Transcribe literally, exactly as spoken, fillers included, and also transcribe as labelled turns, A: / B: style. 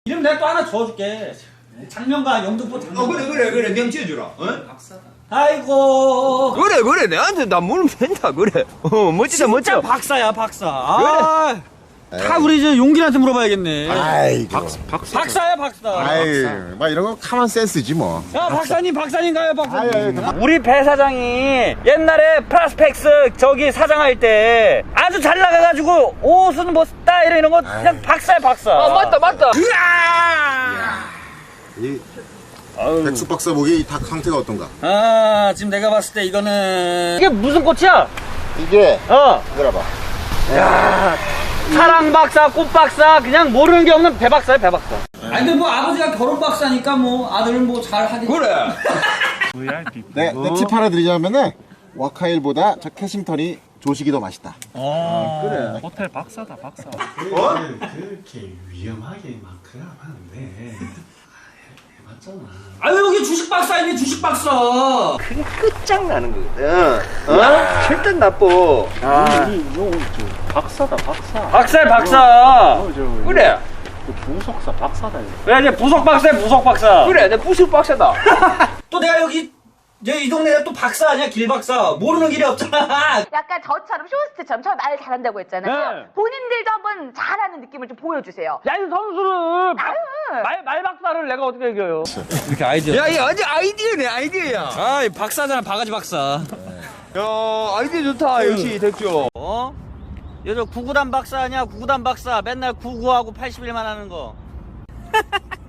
A: 이름 내가 또 하나 지어줄게. 장명가 영등포 장명가.
B: 어 그래 그래 그래 명 지어주라. 어?
A: 박사다. 아이고.
C: 그래 그래 내한테 나 물으면 된다 그래. 어 멋지다
A: 진짜
C: 멋져.
A: 박사야 박사. 아, 다 우리 이제 용기한테 물어봐야겠네.
D: 아이고.
B: 박사.
A: 박사야 박사.
D: 아이, 막 이런 거 카만 센스지 뭐.
A: 야 박사님 박사님가요 박사님.
D: 아유,
A: 우리 배 사장이 옛날에 프라스펙스 저기 사장할 때 아주 잘 나가가지고 옷은 뭐 스타일 이런 거 그냥 박사야 박사.
C: 아 맞다 맞다.
D: 이 백숙 박사 보기 이 닭 상태가 어떤가?
A: 아 지금 내가 봤을 때 이거는 이게 무슨 꽃이야?
D: 이게
A: 어.
D: 이거라 봐.
A: 야 사랑 박사, 꽃 박사, 그냥 모르는 게 없는 배 박사야 배 박사. 아니 근데 뭐 아버지가 결혼 박사니까 뭐 아들은 뭐 잘 하겠지.
B: 그래.
D: 네, 네, 팁 하나 드리자면은 와카일보다 저 캐싱턴이 조식이 더 맛있다.
A: 그래.
E: 호텔 박사다 박사.
B: 어?
F: 그렇게 위험하게 막 그러면 안 돼. 해봤잖아.
A: 아유 여기 주식 박사이네 주식 박사.
C: 그게 끝장나는 거거든. 어? 절대 나빠.
A: 아.
E: 박사다 박사.
A: 박사야 박사.
E: 어, 저,
C: 그래
E: 그 부속사 박사다. 이거.
A: 그래 이제 부속 박사야 부속 박사.
C: 그래 내 부술 박사다.
A: 또 내가 여기 이 동네에 또 박사 아니야 길 박사. 모르는 길이 없잖아.
G: 약간 저처럼 쇼호스트처럼 저 말 잘한다고 했잖아요.
A: 네.
G: 본인들도 한번 잘하는 느낌을 좀 보여주세요.
A: 야 이 선수를
G: 아유.
A: 말, 말 박사를 내가 어떻게 이겨요? 이렇게 아이디어.
C: 야이 완전 아이디어네 아이디어야.
A: 아이 박사잖아 바가지 박사.
C: 야 아이디어 좋다 역시 덱조.
A: 어? 여저 구구단 박사 아니야 구구단 박사 맨날 구구하고 팔십 일만 하는 거.